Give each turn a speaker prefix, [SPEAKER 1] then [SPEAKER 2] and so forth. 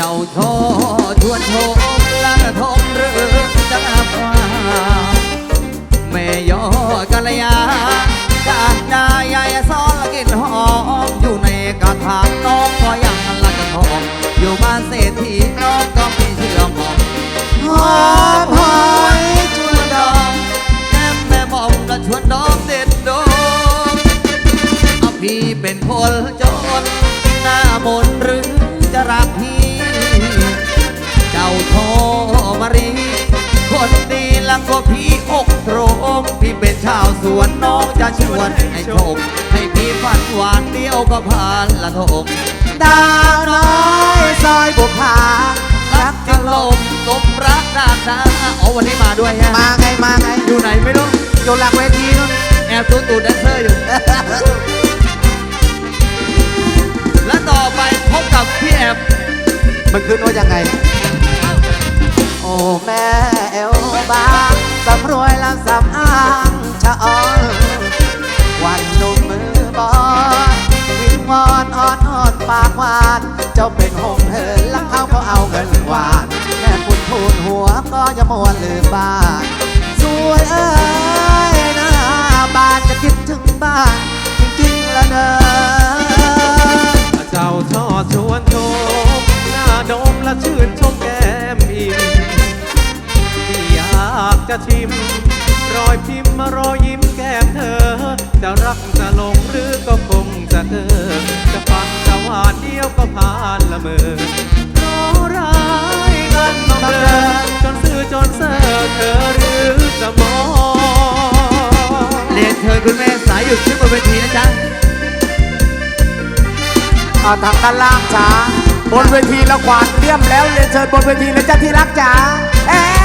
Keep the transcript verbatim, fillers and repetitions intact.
[SPEAKER 1] าโชชวนโชมละทงหรือจะนับว่าแม่ยอกัลยาจากนายยายซ้อนละกินหอมอยู่ในกระถางน้องก็ยังละจะทองอยู่บ้านเศรษฐีน้องก็ไม่เชื่อมองหอมหอยชวนดองแก้มแม่บอกละชวนดองเด็ดดงเอาพี่เป็นคนจนหน้ามนหรือจะรักพี่เจ้าโทมารีคนดีลังก็พี่อกโตรงพี่เป็นชาวสวนน้องจะชวนให้ชมให้พี่ฝันหวานเดียวก็ผ่านละทง
[SPEAKER 2] ดาวน้อยซอยบุพา
[SPEAKER 1] รักจึงลมสมรักด้านหน้าอ๋อวันนี้มาด้วยฮะ
[SPEAKER 2] มาไงมาไง
[SPEAKER 1] อยู่ไหนไม่รู้
[SPEAKER 2] อยู่หลังเวทีนู่น
[SPEAKER 1] แอบตูตูแดนเซอร์อยู่ และต่อไปพบกับพี่แอบ
[SPEAKER 2] มันขึ้นว่ายังไงโอ้แม่เอวบางสำรวยลำสำอางชะออนวันหนุ่มมือบอลวิงวอนอ่อนอ่อนปากหวานเจ้าเป็นหงเหินลักเขาก็เอาเงินหวานแม่ปุ่นพูนหัวก็จะมวนลืมบ้านสวยเอ้ยนะบ้านจะคิดถึงบ้านจริงๆแล้วเนอะ
[SPEAKER 3] เจ้าชอชวนชมหน้าดมและชื่นชมแก้มอิ่มที่อยากจะชิมรอยพิมพ์มารอยยิ้มแก้มเธอจะรักจะหลงหรือก็คงจะเออจะฟังจะหวานเดียวก็ผ่านละเมอรอร้ายกันมาเดินจนซื่อจนเซ่อเธอหรือจะมอง
[SPEAKER 1] เรียนเชิญคุณแม่สายหยุดขึ้นบนเวทีนะจ๊ะ
[SPEAKER 2] เอาทางด้านล่างจ้าบนเวทีละกวาดเลี่ยมแล้วเรียนเชิญบนเวทีเลยจ้าที่รักจ๋าเอ๊